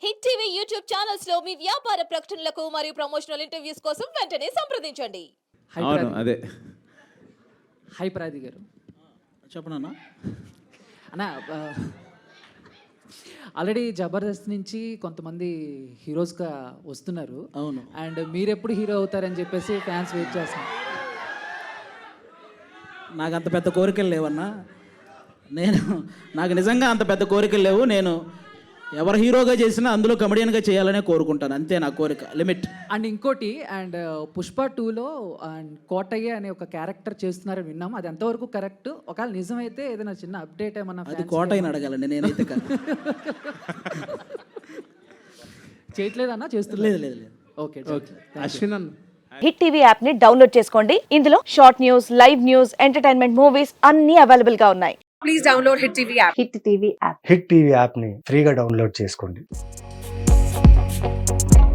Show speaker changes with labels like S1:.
S1: Hit TV YouTube channels లో మీ వ్యాపార ప్రకటనలకు మరియు ప్రమోషనల్ ఇంటర్వ్యూస్ కోసం వెంటనే సంప్రదించండి.
S2: అవును అదే.
S3: హై ప్రాది గారు
S4: చెప్పనన్నా
S3: అన్న, ఆల్రెడీ జబర్దస్త్ నుంచి కొంతమంది హీరోస్గా వస్తున్నారు.
S4: అవును.
S3: అండ్ మీరెప్పుడు హీరో అవుతారని చెప్పేసి ఫ్యాన్స్ వెయిట్ చేస్తున్నారు.
S4: నాకు అంత పెద్ద కోరికలు లేవన్నా. నాకు నిజంగా అంత పెద్ద కోరికలు లేవు. నేను ఎవరు హీరోగా చేసినా అందులో కమెడియన్గా చేయాలనే కోరుకుంటాను, అంతే నా కోరిక, లిమిట్.
S3: అండ్ ఇంకోటి, అండ్ పుష్ప 2లో అండ్ కోటయ్య అనే ఒక క్యారెక్టర్ చేస్తున్నారని విన్నాము. అది ఎంతవరకు కరెక్ట్? ఒకవేళ నిజమైతే ఏదైనా చిన్న అప్డేట్ ఏమన్నా
S4: అది కోటయ్యని అడగాలండి, నేనైతే కాదు.
S3: చేయట్లేదన్నా? చేస్తున్నారు?
S4: లేదు లేదు లేదు.
S3: ఓకే.
S2: అశ్విన్ అన్న,
S5: హిట్ టీవీ యాప్ ని డౌన్లోడ్ చేసుకోండి. ఇందులో short news, live news, entertainment movies అన్ని అవైలబుల్ గా ఉన్నాయి.
S6: Please download Hit TV app.
S5: Hit TV app
S7: hit TV యాప్ని ఫ్రీగా డౌన్లోడ్ చేసుకోండి.